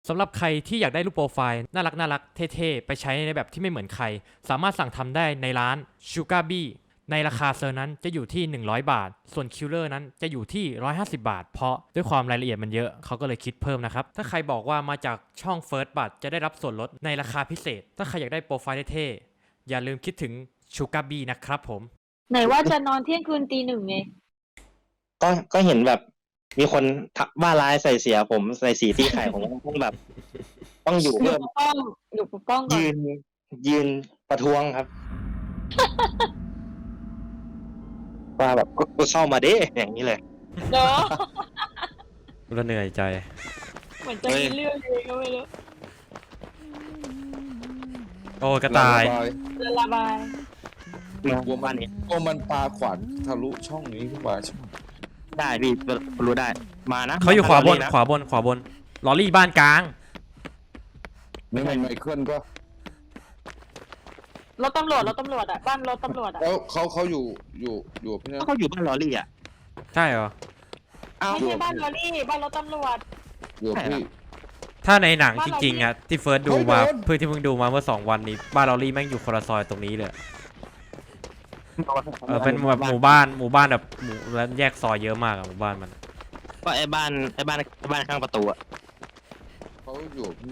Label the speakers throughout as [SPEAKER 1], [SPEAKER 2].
[SPEAKER 1] สำหรับใครที่อยากได้รูปโปรไฟล์น่ารักเท่ๆไปใช้ในแบบที่ไม่เหมือนใครสามารถสั่งทำได้ในร้าน Sugar Bee ในราคาเซอร์นั้นจะอยู่ที่100 บาทส่วนคิลเลอร์นั้นจะอยู่ที่150 บาทเพราะด้วยความรายละเอียดมันเยอะเขาก็เลยคิดเพิ่มนะครับถ้าใครบอกว่ามาจากช่อง First บัตจะได้รับส่วนลดในราคาพิเศษถ้าใครอยากได้โปรไฟล์เท่ๆอย่าลืมคิดถึง Sugar Bee นะครับผม
[SPEAKER 2] ไหนว่าจะนอนเที่ยงคืนตีหนึ่งไง
[SPEAKER 3] ก็เห็นแบบมีคนว่าร้ายใส่เสียผมใส่สีที่ไข่ผมต้องแบบ ต้องอยู่
[SPEAKER 2] อยู่
[SPEAKER 3] เพิ่ม
[SPEAKER 2] ปกป้องอยู่ปกป้องก่อน
[SPEAKER 3] ยืนประท้วงครับ ว่าแบบก็เข้ามาเด้อย่างนี้เลย
[SPEAKER 2] เนาะ
[SPEAKER 1] ก็เหนื่อยใจ
[SPEAKER 2] เหมือนจะมีเรื่องเลยก็ไม่รู้
[SPEAKER 1] โอ้กระต่าย
[SPEAKER 2] ระบาย
[SPEAKER 3] กลัวบ้านนี้
[SPEAKER 4] ก็มันปลาขวานทะลุช่องนี้ขึ้นมาใช่ไหม
[SPEAKER 3] ได้พี่รู้ได้มานะ
[SPEAKER 1] เขาอยู่ขวาบน
[SPEAKER 3] นะ
[SPEAKER 1] ขวาบนลอรี่บ้านกลาง
[SPEAKER 4] นี่มันไมเคิลก็
[SPEAKER 2] รถตำรวจอ่ะบ้านรถตำรวจอ่ะ
[SPEAKER 4] แล้วเขาอยู่พี่เนี่ย
[SPEAKER 3] เขาอยู่บ้านลอรี่อ่ะ
[SPEAKER 1] ใช่เหรอ
[SPEAKER 2] ไม่ใช่บ้านลอรี่บ้านรถตำรวจ
[SPEAKER 4] อยู่พี่
[SPEAKER 1] ถ้าในหนังจริงๆอ่ะที่เฟิร์สดูมา
[SPEAKER 4] เฮ้ยโดน
[SPEAKER 1] เพื่อที่เพิ่งดูมาเมื่อ2 วันนี้บ้านลอรี่แม่งอยู่คนละซอยตรงนี้เลยเป็นแบบหมู่บ้านแบบหมู่แล้วแยกซอยเยอะมากอะหมู่บ้านมัน
[SPEAKER 3] ก็ไอ้บ้านข้างประตูอ่ะ
[SPEAKER 4] เขาอยู่พี่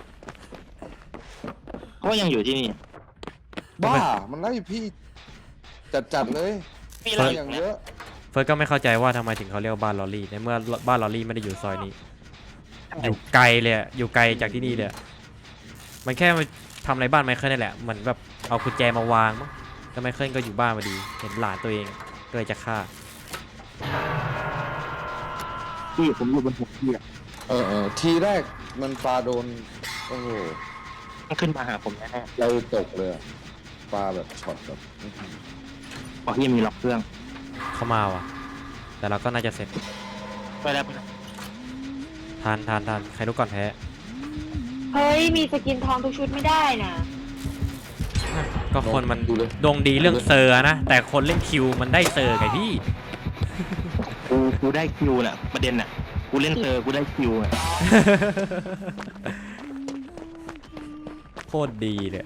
[SPEAKER 3] เขาก็ยังอยู่ที่นี่
[SPEAKER 4] บ้ามันไล่พี่จัดเลย
[SPEAKER 3] พี่
[SPEAKER 4] ไล่
[SPEAKER 3] ไล่
[SPEAKER 4] อย่างเยอะ
[SPEAKER 1] เฟิร์สก็ไม่เข้าใจว่าทำไมถึงเขาเรียกว่าบ้านลอรี่ในเมื่อบ้านลอรี่ไม่ได้อยู่ซอยนี้อยู่ไกลเลยอะอยู่ไกลจากที่นี่เลยอะมันแค่มาทำอะไรบ้านไมเคิลนี่แหละเหมือนแบบเอากุญแจมาวางมั้งแล้วไมเคิลก็อยู่บ้านพอดีเห็นหลานตัวเองก็เลยจะฆ่า
[SPEAKER 3] พี่ผมอยู่บนหัวพี่อ่ะ
[SPEAKER 4] ทีแรกมันปลาโดนโอ้โห
[SPEAKER 3] มันขึ้นมาหาผมแน่
[SPEAKER 4] เราตกเลยอะปลาแบบช็อตแบบ
[SPEAKER 3] ๆบอกพี่มีล็อกเครื่อง
[SPEAKER 1] เข้ามาว่ะแต่เราก็น่าจะเสร็จ
[SPEAKER 3] ไปแล้ว
[SPEAKER 1] ทานใครรู้ก่อนแพ้
[SPEAKER 2] เฮ้ยมีสกินทองทุกชุดไม่ได้นะ
[SPEAKER 1] ก็คนมัน
[SPEAKER 4] ดูเลย
[SPEAKER 1] ดวงดีเรื่องเซอร์นะแต่คนเล่นคิวมันได้เซอร์ไงพี่
[SPEAKER 3] กูได้คิวน่ะประเด็นน่ะกูเล่นเซอร์กูได้คิวอ่ะ
[SPEAKER 1] โคตรดีเลย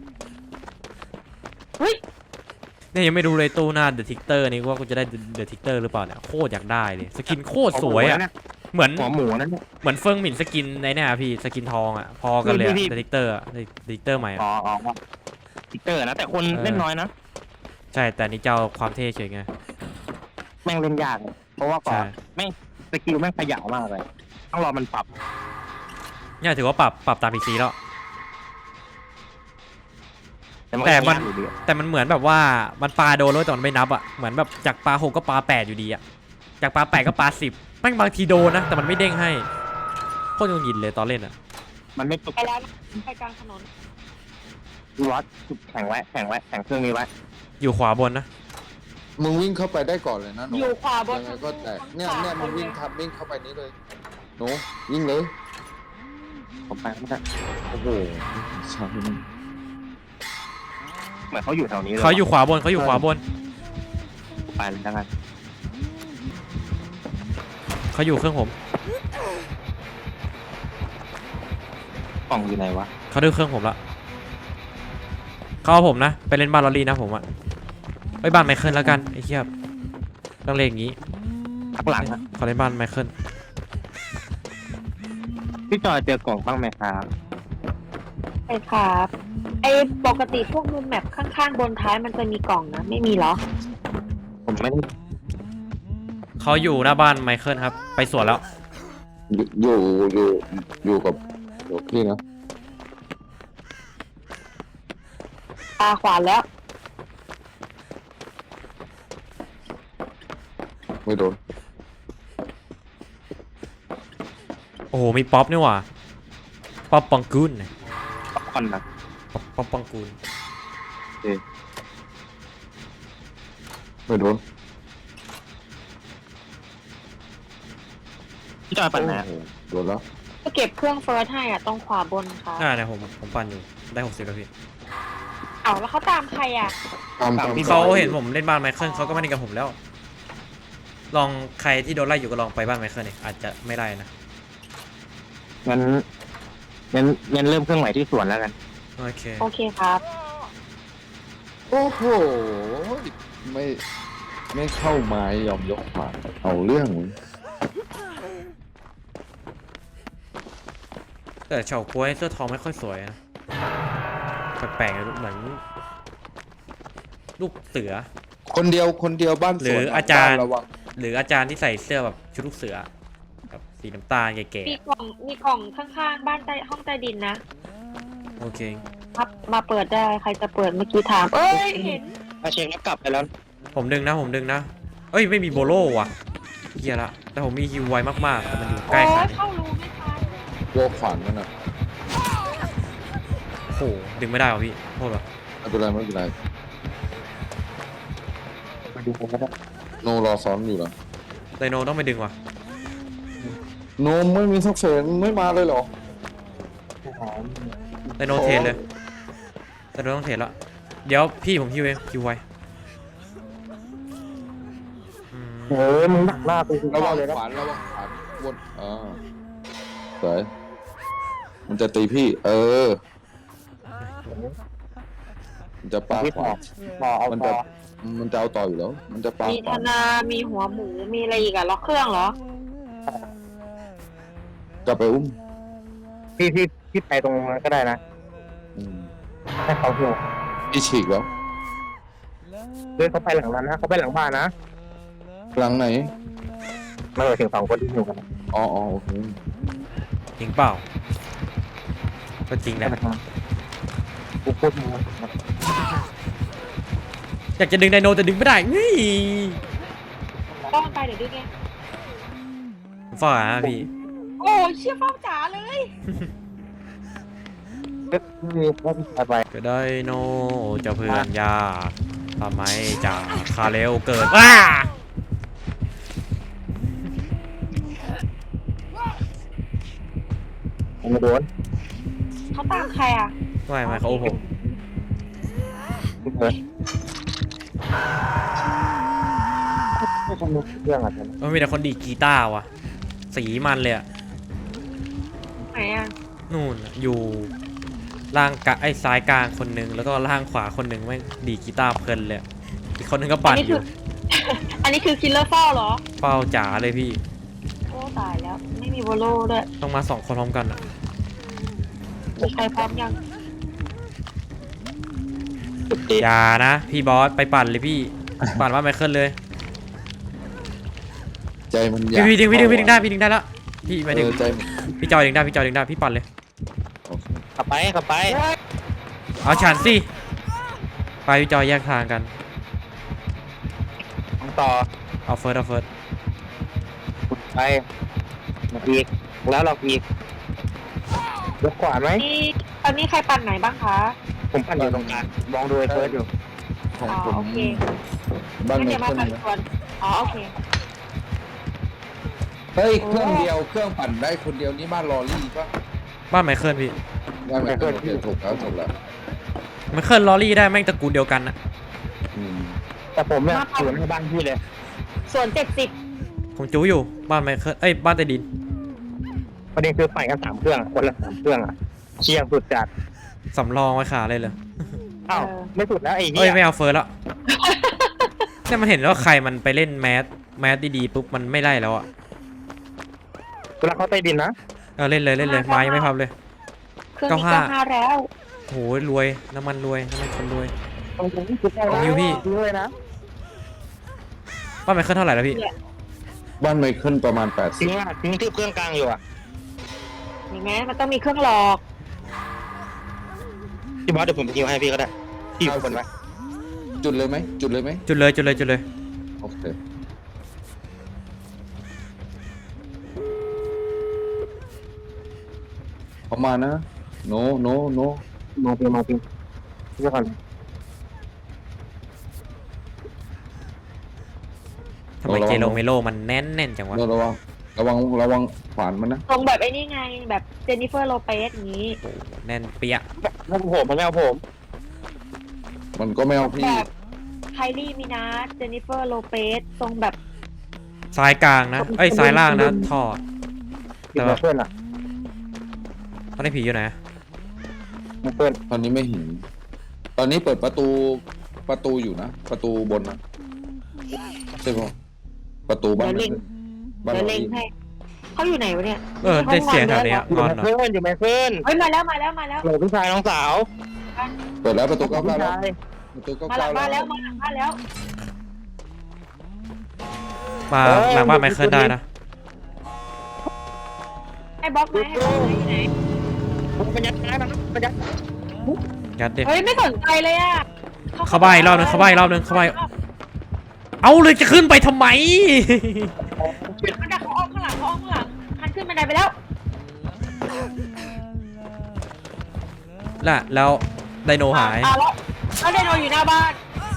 [SPEAKER 2] เฮ้ย
[SPEAKER 1] เนี่ยยังไม่ดูเลยตู้หน้าเดอะทิกเตอร์นี่ว่ากูจะได้เดอะทิกเตอร์หรือเปล่าเนี่ยโคตรอยากได้เลยสกินโคตรสวยอ่ะเหมือน
[SPEAKER 3] หัวหมูนั่นเนี่ย
[SPEAKER 1] เหมือนเฟิงหมิ่นสกินในเนี่ยพี่สกินทองอ่ะพอกันเลย
[SPEAKER 3] พี่
[SPEAKER 1] เดอะทิกเตอร์เดอะทิกเตอร์ใหม่
[SPEAKER 3] อ๋
[SPEAKER 1] อ่ะ
[SPEAKER 3] อทิกเตอร์นะแต่คนเล่นน้อยนะ
[SPEAKER 1] ใช่แต่นี่เจ้าความเท่เฉยไง
[SPEAKER 3] แม่งเล่นยากอะเพราะว่าก่อ
[SPEAKER 1] ใช่
[SPEAKER 3] นแม่งสกิลแม่งขยาวมากเลยต้องรอมันปรับ
[SPEAKER 1] เนี่ยถือว่าปรับตามพีซีแล้ว
[SPEAKER 3] มัน
[SPEAKER 1] แต่มัน
[SPEAKER 3] ยากอยู่ดีอะ
[SPEAKER 1] แต่มันเหมือนแบบว่ามันปาโดนแล้วแต่มันไม่นับอ่ะเหมือนแบบจากปา6ก็ปา8อยู่ดีอ่ะจากปา8ก็ปา10แม่งบางทีโดนนะแต่มันไม่เด้งให้โคตรงงยินเลยตอนเล่นอ่ะ
[SPEAKER 3] มันไม่ปรับ
[SPEAKER 2] ไปแล้วนะไปกลางถนน
[SPEAKER 3] วัดแข่งเครื่องนี้ไว้
[SPEAKER 1] อยู่ขวาบนนะ
[SPEAKER 4] มึงวิ่งเข้าไปได้ก่อนเลยนะหนู
[SPEAKER 2] อยู่ขวาบน
[SPEAKER 4] ยังไงก็แตกเนี่ยมึงวิ่งเข้าไปนี้เลยหนูวิ่งเลย
[SPEAKER 3] ผมไปไม่ได้
[SPEAKER 4] โอ้โหชาพี่มัน
[SPEAKER 3] เหมือนเขาอยู่แถวนี้เลย
[SPEAKER 1] เขาอยู่ขวาบน
[SPEAKER 3] ไปเลยแล้วกัน
[SPEAKER 1] เขาอยู่เครื่องผม
[SPEAKER 3] กล่องอยู่ไหนวะ
[SPEAKER 1] เขาดื้อเครื่องผมละเขาเอาผมนะไปเล่นบ้านลอรี่นะผมอ่ะไปบ้านไมเคิลแล้วกันไอ้เหี้ยต้องเล่นอย่างงี้
[SPEAKER 3] ข้างหลังอะ
[SPEAKER 1] ขอเล่นบ้านไมเคิล
[SPEAKER 3] พี่จอยเจอกล่องบ้างไหมครับ
[SPEAKER 2] ไปครับไอ้ปกติพวกมุมแมปข้างๆบนท้ายมันจะมีกล่องนะไม่มีเหรอ
[SPEAKER 3] ผมไม่ได้
[SPEAKER 1] เขาอยู่หน้าบ้านไมเคิลครับไปสวนแล้ว
[SPEAKER 4] อยู่กับพี่นะ
[SPEAKER 2] ตาขวานแล้ว
[SPEAKER 4] ไม่โดน
[SPEAKER 1] โอ้โหมีป๊อปนี่หว่าป๊อปปังกุน
[SPEAKER 3] ป๊อปคอร์นนะ
[SPEAKER 1] ป๊อปปังกุน
[SPEAKER 4] ไม่โดน
[SPEAKER 3] พี่จอยปั่นไหนอะ
[SPEAKER 4] โอ้โหโดนแล้ว
[SPEAKER 2] ก็เก็บเครื่องเฟิร์สให้อ่ะตรงขวาบนค่ะ
[SPEAKER 1] เนี่ยผมปั่นอยู่ได้60แล้วพี่
[SPEAKER 2] เอาแล้วเขาตามใครอ่ะ
[SPEAKER 4] ตาม
[SPEAKER 1] เขาเห็นผมเล่นบ้านไมเคิลเขาก็ไม่เล่นกับผมแล้ว ลองใครที่โดนไล่อยู่ก็ลองไปบ้านไมเคิลเนี่ยอาจจะไม่ไล่นะ
[SPEAKER 3] งั้นงั้นเริ่มเครื่องใหม่ที่สวนแล้วกัน
[SPEAKER 1] โอเค
[SPEAKER 2] โอเคครับ
[SPEAKER 4] โอ้โหไม่เข้ามายอมยกขวานเอาเรื่อง
[SPEAKER 1] แต่เฉาก๊วยเสื้อทองไม่ค่อยสวยนะแปลกๆเหมือนลูกเสือ
[SPEAKER 4] คนเดียวบ้านสวน
[SPEAKER 1] หรืออาจารย์
[SPEAKER 4] บ้นระวัง
[SPEAKER 1] หรืออาจารย์ที่ใส่เสื้อแบบชุดลูกเสือแบบสีน้ำตาลแก่
[SPEAKER 2] มีกล่องข้างๆบ้านใต้ห้องใต้ดินนะ
[SPEAKER 1] ๆโอเค
[SPEAKER 2] ครับมาเปิดได้ใครจะเปิดเมื่อกี้ถาม เอ้ยเห็น
[SPEAKER 3] ถ้าเช็คแล้วกลับไปแล้ว
[SPEAKER 1] ผมดึงนะเอ้ยไม่มีโบโล่ว่ะเฮียละแต่ผมมีฮิวไวมากๆแต่มันอยู่ใก
[SPEAKER 2] โอ้
[SPEAKER 1] ล้ขนาด
[SPEAKER 2] ย
[SPEAKER 1] นี้
[SPEAKER 2] เข้ารูไม่ทัน
[SPEAKER 4] โยกขวานมันอ่ะ
[SPEAKER 1] โอ้โหดึงไม่ได้ว่ะพี่โทษว่ะ
[SPEAKER 4] ไม่เป็นไร
[SPEAKER 3] มาดูผมก็ได้
[SPEAKER 4] โนรอซ้อนอยู่เหรอ
[SPEAKER 1] ไดโนต้องไปดึงว่ะ
[SPEAKER 4] โนไม่มีสักเสนไม่มาเลยเหรอ
[SPEAKER 1] ไดโนเทรดเลยไดโนต้องเทรดแล้วเดี๋ยวพี่ผมฮิวเองฮิวไวอืม
[SPEAKER 3] มึงหนักหน้าไป
[SPEAKER 4] ระวัง
[SPEAKER 3] เลยนะ
[SPEAKER 4] ขวานวนสวยมันจะตีพี่ มันจะปาขวาน
[SPEAKER 3] ต่อเอา
[SPEAKER 4] มัน
[SPEAKER 3] ต่
[SPEAKER 4] จะ
[SPEAKER 3] อ
[SPEAKER 4] มันจะเอาต่ออยู่แล้ว มันจะปา
[SPEAKER 2] มี
[SPEAKER 4] ข
[SPEAKER 2] ธ
[SPEAKER 4] วาน
[SPEAKER 2] นา มีหัวหมู มีอะไรอีกอะล็อกเครื่องเหรอ
[SPEAKER 4] จะไปอุ้ม
[SPEAKER 3] พี่ไปตรงนั้นก็ได้นะ
[SPEAKER 4] อืม
[SPEAKER 3] ให้เขาเที่ยว
[SPEAKER 4] พี่ฉีกแล้ว
[SPEAKER 3] เขาไปหลังนั้นนะเขาไปหลังบ้านนะ
[SPEAKER 4] หลังไหน
[SPEAKER 3] ไม่ถึง2 คนที่อยู่กัน
[SPEAKER 4] อ๋อโอเค
[SPEAKER 1] จริงเปล่าก็จริงแหละ
[SPEAKER 3] กูพูดมา
[SPEAKER 1] อยากจะดึงไดโนแต่ดึงไม่ได้นี่
[SPEAKER 2] ต้องไปเดี๋ยวดึงไง
[SPEAKER 1] ฝ่าพี่
[SPEAKER 2] โอ้ยเชี่ยเฝ้าจ๋าเลย
[SPEAKER 3] ไป
[SPEAKER 1] ก็ไดโนเจะเพื่อนยากทำไมจากคาเรลเกิดว้า
[SPEAKER 3] ไม่โดน
[SPEAKER 2] เขาตามใครอะ
[SPEAKER 1] ไม่เขาโอ้ผม
[SPEAKER 3] ไม่ทำเรื่องอะไร
[SPEAKER 1] มันมีแต่คนดีดกีตาร์ว่ะสีมันเลยอะ
[SPEAKER 2] ไหนอะ
[SPEAKER 1] นู่นน่ะอยู่ล่างกะไอ้ซ้ายกลางคนหนึงแล้วก็ล่างขวาคนหนึงแม่งดีดกีตาร์เพลินเลยอะอีกคนหนึงก็ปั่นอยู่
[SPEAKER 2] อันนี้คือคิลเลอร์เฝ้าเหรอ
[SPEAKER 1] เฝ้าจ๋าเลยพี่
[SPEAKER 2] โอ้ตายแล้ว ไม่มีโวโลด้วย
[SPEAKER 1] ต้องมา2 คนพร้อมกันอะ
[SPEAKER 2] มีใครพร้อมยัง
[SPEAKER 1] อย่านะพี่บอสไปปั่นเลยพี่ ปั่นว่าไมเคิลเลย
[SPEAKER 4] ใจมันอยาก
[SPEAKER 1] พี่ดึงได้แล้วพี่ไปดึง
[SPEAKER 4] ใจมัน
[SPEAKER 1] พี่จอยดึงได้พี่ปั่นเลย
[SPEAKER 4] โอเค
[SPEAKER 3] กลับไป
[SPEAKER 1] เอาฉันสิไปพี่จอยแยกทางกัน
[SPEAKER 3] ต่อ
[SPEAKER 1] เอาเฟิร์ส
[SPEAKER 3] ไปมาอีกแล้วเราอีกยกขวานไหม
[SPEAKER 2] นี่ตอนนี้ใครปั่นไหนบ้างคะ
[SPEAKER 3] ผมปั่นอยู่ตรงกลางมองดูไอ้เฟิร์สอยู่
[SPEAKER 4] ของ
[SPEAKER 2] อ๋อ
[SPEAKER 4] ผม
[SPEAKER 2] โอเค
[SPEAKER 4] บ้าน
[SPEAKER 2] งั้น
[SPEAKER 4] ใน
[SPEAKER 2] เดี๋ยวมา
[SPEAKER 4] เครื่อง
[SPEAKER 2] ปั่นส่วนอ๋อโอเค
[SPEAKER 4] เฮ้ยเครื่องเดียวเครื่องปั่นได้คนเดียวนี่บ้านลอรี่ปะ
[SPEAKER 1] บ้านไมเคิลพี่
[SPEAKER 4] บ้านไม่เคยถูกแล้ว
[SPEAKER 1] ไมเคิลลอรี่ได้แม่งตระกูลเดียวกันนะ
[SPEAKER 4] อืม
[SPEAKER 3] แต่ผมเนี่ยอยู่ในบ้านพี่เลย
[SPEAKER 2] ส่วน70
[SPEAKER 1] ผมจู้อยู่บ้านไมเคิลบ้านใต้ดิน
[SPEAKER 3] ประเด็นคือปั่นกัน3 เครื่องคนละ3 เครื่องอ่ะเชี่ยสุดจัด
[SPEAKER 1] สำรองไว้ขาเลยเลย
[SPEAKER 3] อ้าวไม่สุดแล้วไอ้เหี้
[SPEAKER 1] เอ้ย
[SPEAKER 3] ย
[SPEAKER 1] ไม่เอาเฟิร์สแล้วเนี่ยมันเห็นว่าใครมันไปเล่นแมสดีๆปุ๊บมันไม่ไล่แล้วอ่ะ
[SPEAKER 3] เวลาเขาใต้ดินนะ
[SPEAKER 1] เล่นเลยไม้ยังไม่พับเลย
[SPEAKER 2] เครื่องนี้95แล้ว
[SPEAKER 1] โหรวยน้ำมันคนรวย
[SPEAKER 3] ตรงนี้คือแค่
[SPEAKER 1] ของนิวพี่
[SPEAKER 3] ทิ้งเลยนะ
[SPEAKER 1] บ้านไมเคิลเท่าไหร่แล้วพี่
[SPEAKER 4] บ้านไมเคิลประมาณ
[SPEAKER 3] ทิ้งที่เครื่องกลางอยู่อ่ะ
[SPEAKER 2] เห็นไหมมันต้องมีเครื่องหลอก
[SPEAKER 3] พี่บอสเดี๋ยวผมไปทิ้งให้พี่ก็ได้พี่อยู่คนไว้
[SPEAKER 4] 80จุดเลยไหม
[SPEAKER 1] จุดเลย
[SPEAKER 4] โอเคเข้ามานะโน
[SPEAKER 3] มองพี่เดี๋ยวก่อน
[SPEAKER 1] ทำไมเจโรเมโลมันแน่นจังวะ
[SPEAKER 4] โนระวังขวานมันนะ
[SPEAKER 2] ตรงแบบไอ้นี่ไงแบบเจนนิเฟอร์โลเปสอย่างนี้
[SPEAKER 1] แน่นเปี้ย
[SPEAKER 3] ไม่เอาผมไม่เอาผม
[SPEAKER 4] มันก็ไม่เอาพี่
[SPEAKER 2] แบบไคลี่มินาสเจนนิเฟอร์โลเปสทรงแบบ
[SPEAKER 1] ซ้ายกลางนะซ้ายล่างนะถอด
[SPEAKER 3] ติดมาเพื่อนอ่ะ
[SPEAKER 1] อนนี้ผีอยู่ไหน
[SPEAKER 3] เปิด
[SPEAKER 4] ตอนนี้ไม่เห็นตอนนี้เปิดประตูอยู่นะประตูบนนะใช่ป่ะประตูบ้าน
[SPEAKER 2] เดี๋ยวเล็ง
[SPEAKER 4] บ้าน
[SPEAKER 2] เดี๋ยว
[SPEAKER 4] เรา
[SPEAKER 2] เล็งให้เขาอยู่ไหนวะเนี่ย
[SPEAKER 1] ได้เสียงแถวนี้
[SPEAKER 3] อยู่
[SPEAKER 1] งอน
[SPEAKER 3] แม
[SPEAKER 1] เหรอ
[SPEAKER 3] เคิลอยู่แมเคิล
[SPEAKER 2] เฮ้ยมาแล้ว
[SPEAKER 3] โหลพี่ชายน้องสาว
[SPEAKER 4] เปิดแล้วประตู
[SPEAKER 3] พี่
[SPEAKER 4] 99แล้ว
[SPEAKER 3] ชาย
[SPEAKER 4] ประตู
[SPEAKER 2] มาหลัง
[SPEAKER 4] 99
[SPEAKER 2] บ้าน
[SPEAKER 4] แล้
[SPEAKER 2] แล้ว วมาหลังบ้านแล้ว
[SPEAKER 1] มาหลังบ้านไมเคิลได้นะ
[SPEAKER 2] ให้บล็อกไหมให้บล็อกไหมอยู่ไหน
[SPEAKER 3] มันยัดนะมันยัด
[SPEAKER 1] ยัดดิ
[SPEAKER 2] เฮ้ยไม่สนใจเลยอ่ะ
[SPEAKER 1] เข้าบ้านอีกรอบนึงเข้าบ้านอีกรอบนึงเข้าบ้าน เอาเลยจะขึ้นไปทำไม
[SPEAKER 2] มันดักเขาอ้อมข้างหลังมันขึ้นบันไดไปแล้ว
[SPEAKER 1] น่ะแล้วไดโนหาย
[SPEAKER 2] แล้วไดโนอยู่หน้าบ้าน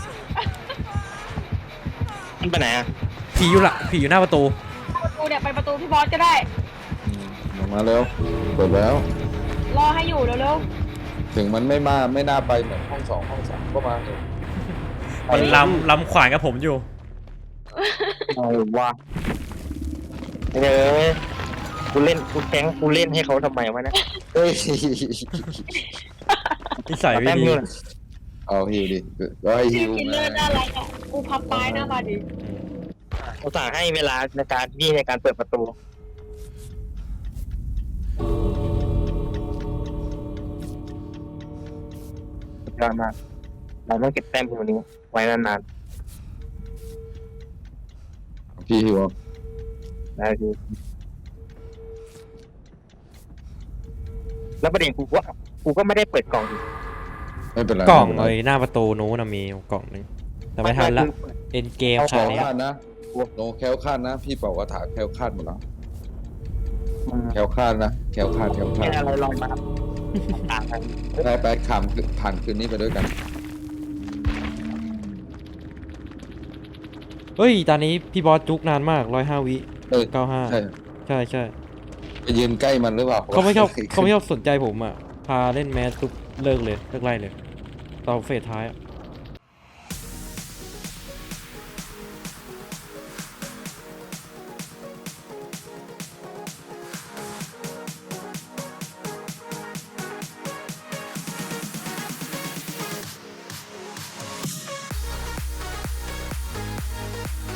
[SPEAKER 3] มันไปไหนอ่ะ
[SPEAKER 1] ผีอยู่หน้าประตู
[SPEAKER 2] ประตูเนี่ยไปประตูพี่บอสก็ได้
[SPEAKER 4] ออกมาแล้วเปิดแล้ว
[SPEAKER 2] รอให้อยู่เร็ว
[SPEAKER 4] ถึงมันไม่น่าไปเหมือนห้อง2 ก็มาเถอะ
[SPEAKER 1] มันลำขวานกับผมอยู่
[SPEAKER 3] เอาวะเฮ้ยกูเล่นให้เขาทำไมวะเนี่ย
[SPEAKER 4] เฮ้ย
[SPEAKER 1] นิสัยไม่
[SPEAKER 3] แต้ม
[SPEAKER 1] ดี
[SPEAKER 3] นู่น
[SPEAKER 4] เอาฮิวดิก็ให้
[SPEAKER 2] ๆ
[SPEAKER 4] ฮิ
[SPEAKER 2] พี่
[SPEAKER 4] ว
[SPEAKER 2] กิน
[SPEAKER 4] มา
[SPEAKER 2] เลือดน่ารักอ่ะกูพับไม้หน้ามาดิ
[SPEAKER 3] เขาสั่งให้เวลาในการเปิดประตูสุดยอดมากเราต้องเก็บแต้มตัวนี้ไว้นาน
[SPEAKER 4] พี่ฮิวเอา
[SPEAKER 3] ๆได้ทีแล้วประเด็นกูก็ไม่ได้เปิดกล่องอีก
[SPEAKER 4] ไม่เป็นไร
[SPEAKER 1] กล่อง
[SPEAKER 4] ไม่
[SPEAKER 1] เล
[SPEAKER 4] เป็น
[SPEAKER 1] ย
[SPEAKER 4] ไร
[SPEAKER 1] หน้าประตูนู้นนะมีกล่องหนึงแต่ไม่ทันละเอ็นเกม
[SPEAKER 4] แค
[SPEAKER 1] ขา
[SPEAKER 4] ล้ว
[SPEAKER 1] ด
[SPEAKER 4] คลาดนะโนแคล้วคลาดนะ พี่เป่ากระถาแคล้วคลาดหมดแล้วแคล้วคลาดนะแคล้วคลาด
[SPEAKER 3] แค่อะไรลองมาต่างกัน
[SPEAKER 4] ไปผ่านคืนนี้ไปด้วยกัน
[SPEAKER 1] เฮ้ยตอนนี้พี่บอสจุกนานมาก105 วิ
[SPEAKER 4] เออ
[SPEAKER 1] 95
[SPEAKER 4] ใช่
[SPEAKER 1] ใช่
[SPEAKER 4] ไปยืนใกล้มันหรือเปล่า
[SPEAKER 1] เขาไม่ชอบสนใจผมอ่ะพาเล่นแมสปุ๊บเลิกไล่เลยตอนเฟสท้ายอะ